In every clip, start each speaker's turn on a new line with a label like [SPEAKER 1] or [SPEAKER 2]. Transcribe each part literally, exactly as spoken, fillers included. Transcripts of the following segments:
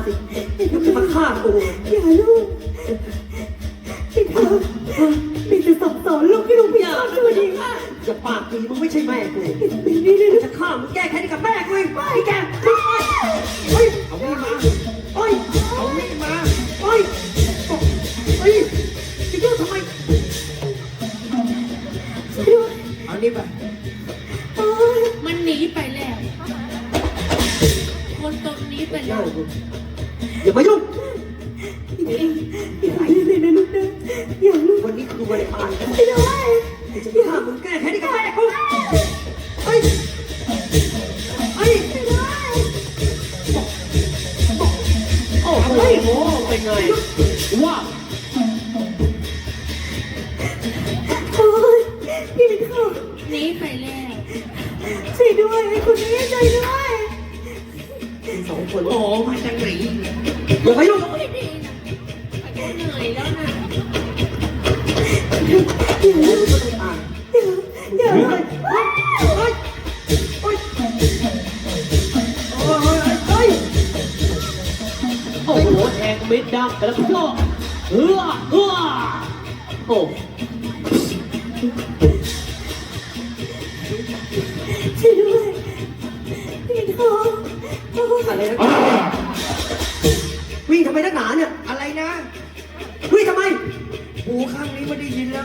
[SPEAKER 1] สิจะมาฆ่ากู
[SPEAKER 2] อย่าลูกพี่เธอมีแต่สั่งสอนลูกให้ลูกพี่ชอบตัวดี
[SPEAKER 1] จะปากดีมึงไม่ใช่แม่กู
[SPEAKER 2] นี่นี่
[SPEAKER 1] จะฆ่ามึงแก้แค้นกับแม่กูเองไอ้แกเฮ้ยเอามีดมาเฮ้ยเอามีดมาเฮ้ยเฮ้ยจะยุ่งทำไม
[SPEAKER 2] ช่วยด้วย
[SPEAKER 1] เอานี่ไป
[SPEAKER 2] โอ๊ย
[SPEAKER 3] มันหนีไปแล้ว คนตรงนี้ไปแล้
[SPEAKER 1] เล่าว กูอย่ามายุ่ง
[SPEAKER 2] พี่เองอย่าไปเลยนะลูกนะอย่าลูก
[SPEAKER 1] วันนี้คือวันตาย
[SPEAKER 2] ไม่ได้
[SPEAKER 1] จะฆ่ามึงแก้แค้นกับแม่กูเฮ้ยเฮ้ย
[SPEAKER 2] ไม่ได้
[SPEAKER 1] โอ้โหเป็นไงว่า
[SPEAKER 2] โอ๊ยพี่เป็นเขา
[SPEAKER 3] หนีไปแล้ว
[SPEAKER 2] ช่วยด้วยไอ้คนนี้ช่วยด้วย
[SPEAKER 1] สองคน
[SPEAKER 4] โอ้มาจากไหน
[SPEAKER 1] อย่ามายุ่ง
[SPEAKER 3] ไม่ดีนะไอ้คนเหนื่อยแล้วนะ
[SPEAKER 2] อย่าลูก
[SPEAKER 1] ไม่ต้องตาย
[SPEAKER 2] อย่าอย่า
[SPEAKER 1] เฮ้ยเฮ้ยเฮ้ยเฮ้ยเฮ้ย
[SPEAKER 4] โอ้โหแทงเม็ดดำแล้วก็เฮือเฮือโอ้
[SPEAKER 2] ช่วยด้วยพี่เป็นเขาโอ๊ย
[SPEAKER 1] อะไรนะวิ่งทำไมนักหนาเนี่ย
[SPEAKER 4] อะไรนะ
[SPEAKER 1] วิ่งทำไม
[SPEAKER 4] หูข้างนี้ไม่ได้ยินแล้ว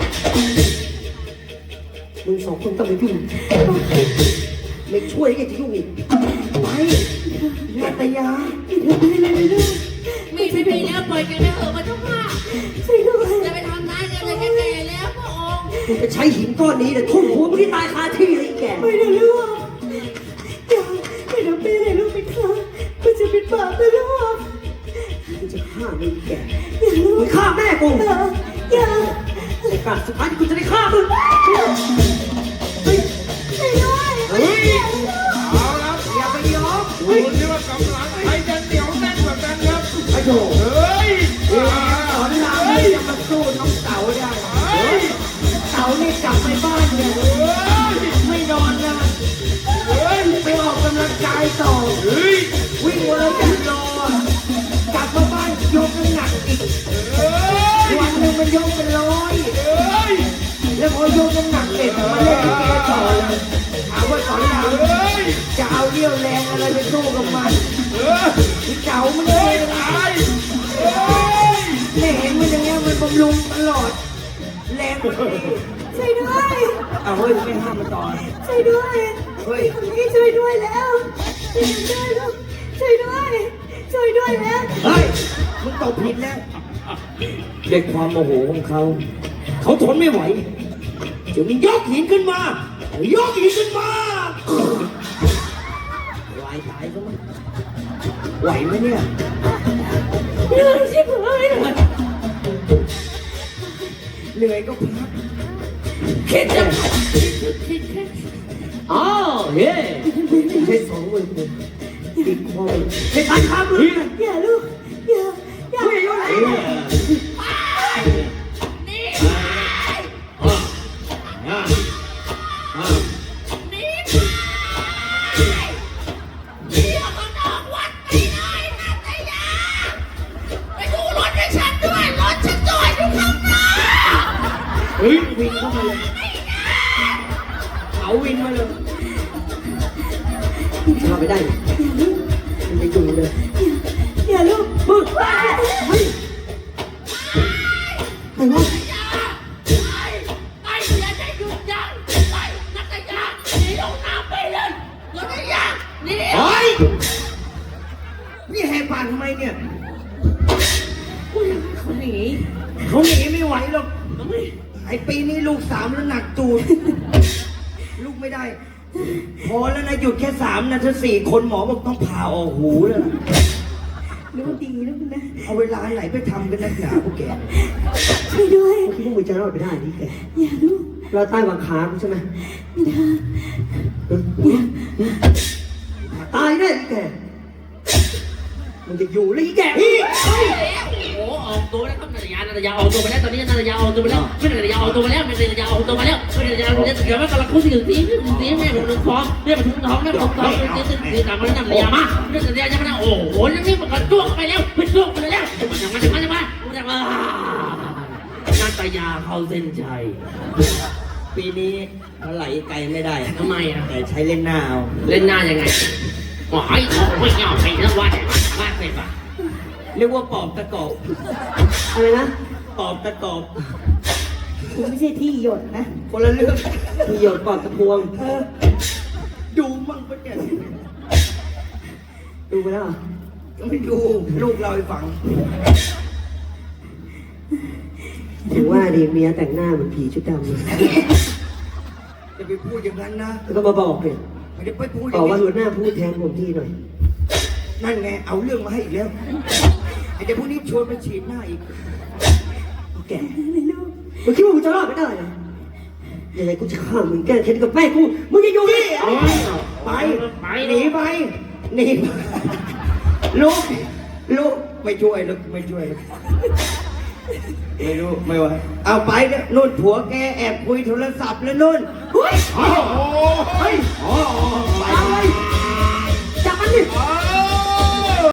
[SPEAKER 1] มึงสองคนต้องไปยุ่งไม่ช่วยแกจะยุ่งอีกไปนัตยา
[SPEAKER 2] พี่เธอไปเลยนะลูก
[SPEAKER 3] มีไม่มีแล้วปล่อยกันไปเถอะมันต้องฆ่า
[SPEAKER 2] ช่วยด้วย
[SPEAKER 3] จะไปทำร้ายกันเลยแก่ๆแล้วพระองค์
[SPEAKER 1] มึงจะใช้หินก้อนนี้เนี่ยทุ่มหัวมึงที่ตายคาที่เลยแก
[SPEAKER 2] ไม่ได้ลูกอย่าอย่าทำเป็นเลยลูกเป็นเขามันจะเป็นบาปนะลูก
[SPEAKER 1] มึงจะฆ่ามึงแก
[SPEAKER 2] อย่าลู
[SPEAKER 1] มึ
[SPEAKER 2] ก
[SPEAKER 1] งฆ่าแม่กู
[SPEAKER 2] อย่าอย่า
[SPEAKER 1] โอกาสสุดท้ายที่กูจะได้ฆ่ามึงเฮ้ย
[SPEAKER 2] ช่วยด้วย
[SPEAKER 1] เฮ้ย
[SPEAKER 4] เอาละอย่าไปยอมดูสิว่ากำลังใครจะเหนียวแน่นกว่ากันครับ
[SPEAKER 1] ไอ้โถ
[SPEAKER 4] เฮ้ย
[SPEAKER 1] เฮ้ยสอนรามเลยจะมาสู้น้องเต๋าได้
[SPEAKER 4] เฮ้ย
[SPEAKER 1] เต๋านี่กลับไปบ้านเนี่ย
[SPEAKER 4] เฮ้ย
[SPEAKER 1] ไม่นอนนะ
[SPEAKER 4] เฮ้ย
[SPEAKER 1] ไปออกกำลังกายต่อ
[SPEAKER 4] เฮ้ย
[SPEAKER 1] วิ่งวันละแปดโลกลับมาบ้านยกน้ำหนักอีก
[SPEAKER 4] เฮ้ย
[SPEAKER 1] วันหนึ่งมันยกเป็นร้อย
[SPEAKER 4] เฮ้ย
[SPEAKER 1] แล้วพอยกน้ำหนักเสร็จมาเล่นลิเกต่อเลยถามว่าสอนราม
[SPEAKER 4] เฮ้ย
[SPEAKER 1] จะเอาเรี่ยวแรงอะไรไปสู้กับมัน
[SPEAKER 4] เฮ้ย
[SPEAKER 1] ที่เก่ามัน
[SPEAKER 4] เฮ้
[SPEAKER 1] เลย ย
[SPEAKER 4] ตายเฮ้ย
[SPEAKER 1] ไม่เห็นมันอย่างเงี้ยมันบำรุงตลอด แรงมันดี
[SPEAKER 2] ช่วยด้วย
[SPEAKER 1] เอาเฮ้ยไม่ห้ามมันต่อ
[SPEAKER 2] ช่วยด้วย
[SPEAKER 1] เฮ้ย
[SPEAKER 2] พี่ช่วยด้วยแล้วช่วยด้วยลูกช่วยด้วย ช่วยด้วยแล้ว
[SPEAKER 1] เฮ้ยมึงตกผิดแล้วด้วยความโมโหของเขา เขาทนไม่ไหวจึงยกหินขึ้นมา ยกหินขึ้นมาวายตายซะมั้งไหวไหมเนี่ย
[SPEAKER 2] เหนื่อยชิบหายเลย
[SPEAKER 1] เหนื่อยก็พัก
[SPEAKER 3] คิดจะคิดแค่
[SPEAKER 4] อ้าวเฮ้ย
[SPEAKER 1] ใช้สองมือกูติดคอใช้ตาข้ามมือ
[SPEAKER 2] อย่าลูกอย่าอย่า
[SPEAKER 1] ผู้ใหญ่ยกไหน
[SPEAKER 4] เฮ้ย
[SPEAKER 3] นี่
[SPEAKER 4] อ่ะอ่ะอ่ะ
[SPEAKER 3] นี่นี่ออกนอกวัดไปเลยนาตยาไปดูรถให้ฉันด้วยรถฉันจอดอยู่ข้างหน้า
[SPEAKER 4] เฮ้ย
[SPEAKER 1] วินเข้ามาเลยเอาวินมาเลยเข้าไปได้มันจะอยู่เลย
[SPEAKER 2] อย่าลูก
[SPEAKER 1] มึงเฮ้ยใครวะ
[SPEAKER 3] ไปไปอย่าได้หยุดยั้งไปนักยาหนีลงน้ำไปเลยนักยาหนี
[SPEAKER 4] เฮ้ย
[SPEAKER 1] นี่แหกปากทำไมเนี่ย
[SPEAKER 3] เขาหนี
[SPEAKER 1] เขาหนีไม่ไหวหรอกไอปีนี้ลูกสามแล้วหนักตูดลูกไม่ได้ พอแล้วนะหยุดแค่สามนะถ้าสี่คนหมอบอกต้องผ่าออกหูแล้วนะ
[SPEAKER 2] ลูกดีลูกนะ
[SPEAKER 1] เอาเวลาไหนไปทำกันนักหนาพวกแก
[SPEAKER 2] ช่วยด้วย
[SPEAKER 1] พวกมึงจะรอดไปได้นี่แก
[SPEAKER 2] อย่าลูก
[SPEAKER 1] เราใต้บังคับใช่ไหม
[SPEAKER 2] ไม่ได้
[SPEAKER 1] ตายแน่นี่แกมันจะอยู่เลยอีแกพี่
[SPEAKER 3] โอ้โหออกตัวแล้วครับนาตยานาตยาออกตัวไปแล้วตอนนี้นาตยาออกตัวไปแล้วไม่นาตยาออกตัวไปแล้วไม่นาตยาออกตัวไปแล้วไม่นาตยาเดี๋ยวมันกำลังคุยถึงสีสีแม่ผมนึกท้องแม่ผมนึกท้องแม่ผมท้องสีสีสีตามมานาตยามานาตยาจะมาโอ้โหนั่นนี่มันก็จ้วงไปแล้วมันจ้วงไปแล้วมันจะมาจะมาจะมานาตยาเข้าเส้นชัย
[SPEAKER 1] ปีนี้เขาไหลไกลไม่ได้
[SPEAKER 3] ทำไมอ่ะ
[SPEAKER 1] แต่ใช้เล่นหน้าเอา
[SPEAKER 3] เล่นหน้ายังไงโอ้ยไม่เงาใครแล้วว่าแต่ว่าใครปะ
[SPEAKER 1] เรียกว่าปอบตะกอบ
[SPEAKER 2] อะไรนะ
[SPEAKER 1] ปอบตะกอบ
[SPEAKER 2] กูไม่ใช่ที่หยดนะ
[SPEAKER 1] คนละเรื่อง
[SPEAKER 2] ที่หยดปอดตะพวง
[SPEAKER 1] เออดูมั่งปะเนี่ย
[SPEAKER 2] ดูไปแล้วเหรอ
[SPEAKER 1] ไม่ดูลูกเราให้ฟัง
[SPEAKER 2] ถึงว่าดิเมียแต่งหน้าเหมือนผีชุดดำเลย
[SPEAKER 1] จะไปพูดอย่างนั้นนะ
[SPEAKER 2] แล้วก็มาบอกเนี่ย
[SPEAKER 1] ไม่ได้ไปพูดอบ
[SPEAKER 2] อย่าง ก
[SPEAKER 1] นี้
[SPEAKER 2] ว่าหัวหน้าพูดแทนผมที่หน่อย
[SPEAKER 1] นั่นไงเอาเรื่องมาให้อีกแล้วไอ้เด็กพวกนี้ชวนไปฉีดหน้าอีก
[SPEAKER 2] เอาแกมึงคิดว่ามึงจะรอดไม่ได้เหรอยังไงกูจะฆ่ามึงแก้แค้นกับแม่กู มึงจะอยู่นี่
[SPEAKER 1] เอาไปหนีไปหนีไปลูกลูกไม่ช่วยลูกไม่ช่วยลูกไม่รู้ไม่ไหวเอาไปเนี่ยนุ่นผัวแกแอบคุยโทรศัพท์แล้วนุ่น
[SPEAKER 2] เฮ้ย
[SPEAKER 1] อ๋อเฮ้ยอ๋อ